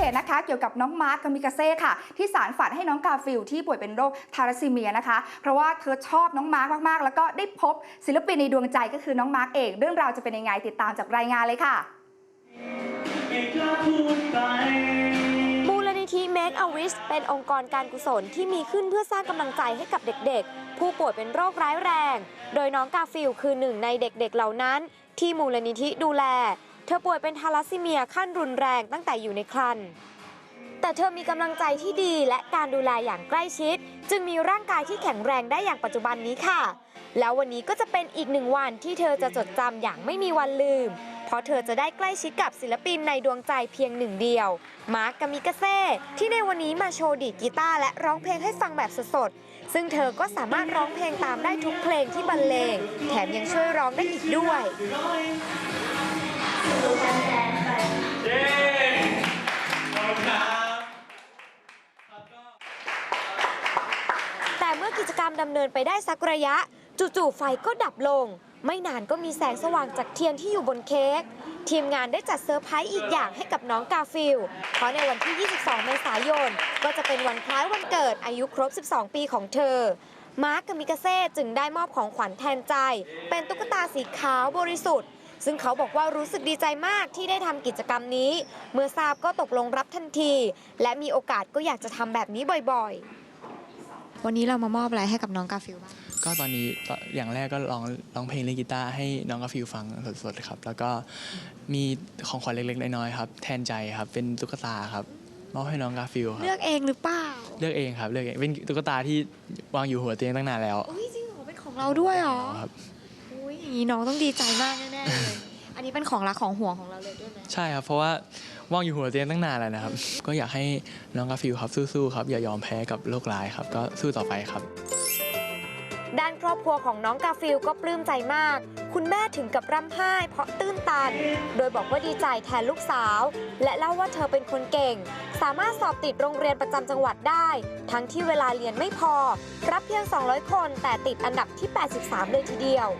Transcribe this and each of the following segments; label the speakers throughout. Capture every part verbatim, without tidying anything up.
Speaker 1: ษนะคะเกี่ยวกับน้องมาร์คกามิกาเซ่ค่ะที่สารฝันให้น้องกาฟิลที่ป่วยเป็นโรคทาราซีเมียนะคะเพราะว่าเธอชอบน้องมาร์คมากๆแล้วก็ได้พบศิลปินในดวงใจก็คือน้องมาร์คเองเรื่องราวจะเป็นยังไงติดตามจากรายงานเลยค่ะ
Speaker 2: มูลนิธิ Make a Wish เป็นองค์กรการกุศลที่มีขึ้นเพื่อสร้างกำลังใจให้กับเด็กๆผู้ป่วยเป็นโรคร้ายแรงโดยน้องกาฟิลคือหนึ่งในเด็กๆเหล่านั้นที่มูลนิธิดูแลเธอป่วยเป็นทาลัสซีเมียขั้นรุนแรงตั้งแต่อยู่ในครรภ์แต่เธอมีกำลังใจที่ดีและการดูแลอย่างใกล้ชิดจึงมีร่างกายที่แข็งแรงได้อย่างปัจจุบันนี้ค่ะแล้ววันนี้ก็จะเป็นอีกหนึ่งวันที่เธอจะจดจำอย่างไม่มีวันลืมเพราะเธอจะได้ใกล้ชิดกับศิลปินในดวงใจเพียงหนึ่งเดียวมาร์ค กามิกาเซ่ที่ในวันนี้มาโชว์ดีดกีตาร์และร้องเพลงให้ฟังแบบสดๆซึ่งเธอก็สามารถร้องเพลงตามได้ทุกเพลงที่บรรเลงแถมยังช่วยร้องได้อีกด้วยแต่เมื่อกิจกรรมดำเนินไปได้สักระยะจู่ๆไฟก็ดับลงไม่นานก็มีแสงสว่างจากเทียนที่อยู่บนเค้กทีมงานได้จัดเซอร์ไพรส์อีกอย่างให้กับน้องกาฟิลเพราะในวันที่ยี่สิบสองเมษายนก็จะเป็นวันคล้ายวันเกิดอายุครบสิบสองปีของเธอมาร์ค กามิกาเซ่จึงได้มอบของขวัญแทนใจเป็นตุ๊กตาสีขาวบริสุทธิ์ซึ่งเขาบอกว่ารู้สึกดีใจมากที่ได้ทำกิจกรรมนี้เมื่อทราบก็ตกลงรับทันทีและมีโอกาสก็อยากจะทำแบบนี้บ่อยๆวันนี้เรามามอบอะไรให้กับน้องกาฟิลบ้าง
Speaker 3: ก็ตอนนี้อย่างแรกก็ร้องร้องเพลงเล่นกีตาร์ให้น้องกาฟิลฟังสดๆครับแล้วก็มีของขวัญเล็กๆน้อยๆครับแทนใจครับเป็นตุ๊กตาครับมอบให้น้องกาฟิลครับ
Speaker 2: เลือกเองหรือเปล่า
Speaker 3: เลือกเองครับเลือกเองเป็นตุ๊กตาที่วางอยู่หัวเตียงตั้งนานแล้ว
Speaker 2: อุ้ยจริงเหรอเป็นของเราด้วยเหรอครับอุ้ยอย่างนี้น้องต้องดีใจมากแน่ๆเลยอันนี้เป็นของรักของห่วงของเราเลยด้วยไหม
Speaker 3: ใช่ครับเพราะว่าว่างอยู่หัวเตียงตั้งนานแล้วนะครับก็อยากให้น้องกาฟิลครับสู้ๆครับอย่ายอมแพ้กับโรคร้ายครับก็สู้ต่อไปครับ
Speaker 2: ด้านครอบครัวของน้องกาฟิลก็ปลื้มใจมากคุณแม่ถึงกับร่ำไห้เพราะตื้นตันโดยบอกว่าดีใจแทนลูกสาวและเล่าว่าเธอเป็นคนเก่งสามารถสอบติดโรงเรียนประจำจังหวัดได้ทั้งที่เวลาเรียนไม่พอรับเพียงสองร้อยคนแต่ติดอันดับที่แปดสิบสามเลยทีเดียว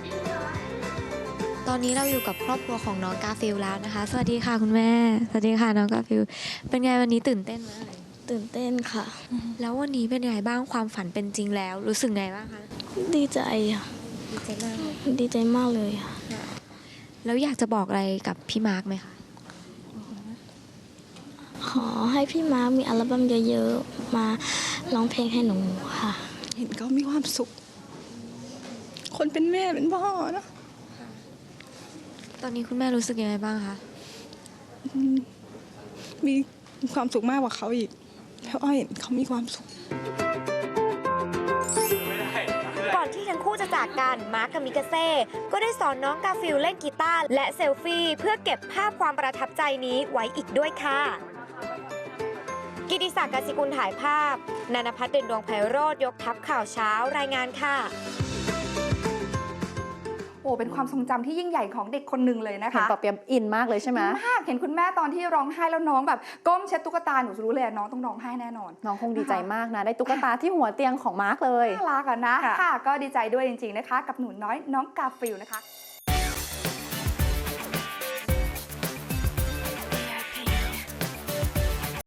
Speaker 2: ตอนนี้เราอยู่กับครอบครัวของน้องกาฟิลแล้วนะคะสวัสดีค่ะคุณแม่สวัสดีค่ะน้องกาฟิลเป็นไงวันนี้ตื่นเต้นไหม
Speaker 4: ตื่นเต้นค่ะ
Speaker 2: แล้ววันนี้เป็นไงบ้างความฝันเป็นจริงแล้วรู้สึกไงบ้างคะ
Speaker 4: ดีใจค่ะ
Speaker 2: ดีใจมากเลย
Speaker 4: ดีใจมากเลยค่ะ
Speaker 2: แล้วอยากจะบอกอะไรกับพี่มาร์คไหมคะ
Speaker 4: ขอให้พี่มาร์คมีอัลบั้มเยอะๆมาร้องเพลงให้หนูค่ะ
Speaker 5: เห็นเขามีความสุขคนเป็นแม่เป็นพ่อนะ
Speaker 2: ตอนนี้คุณแม่รู้สึกยังไงบ้างคะ
Speaker 5: มีความสุขมากกว่าเขาอีกแล้วอ้อยเห็นเขามีความสุข
Speaker 2: ก่อนที่ทั้งคู่จะจากกันมาร์ค กามิกาเซ่ก็ได้สอนน้องกาฟิลเล่นกีตาร์และเซลฟี่เพื่อเก็บภาพความประทับใจนี้ไว้อีกด้วยค่ะกิติศักดิ์ กสิกุลถ่ายภาพนันภัทร เด่นดวงไพโรจน์ยกทัพข่าวเช้ารายงานค่ะ
Speaker 1: โอ้เป็นความทรงจำที่ยิ่งใหญ่ของเด็กคนหนึ่งเลยนะคะ
Speaker 6: เห็นปอเปียมอินมากเลยใช่ไหม
Speaker 1: มากเห็นคุณแม่ตอนที่ร้องไห้แล้วน้องแบบก้มเช็ดตุ๊กตาหนูรู้เลยน้องต้องร้องไห้แน่นอน
Speaker 6: น้องคงดีใจมากนะได้ตุ๊กตาที่หัวเตียงของมาร์คเลย
Speaker 1: น่ารักอะนะค่ะก็ดีใจด้วยจริงๆนะคะกับหนูน้อยน้องกาฟิลนะคะ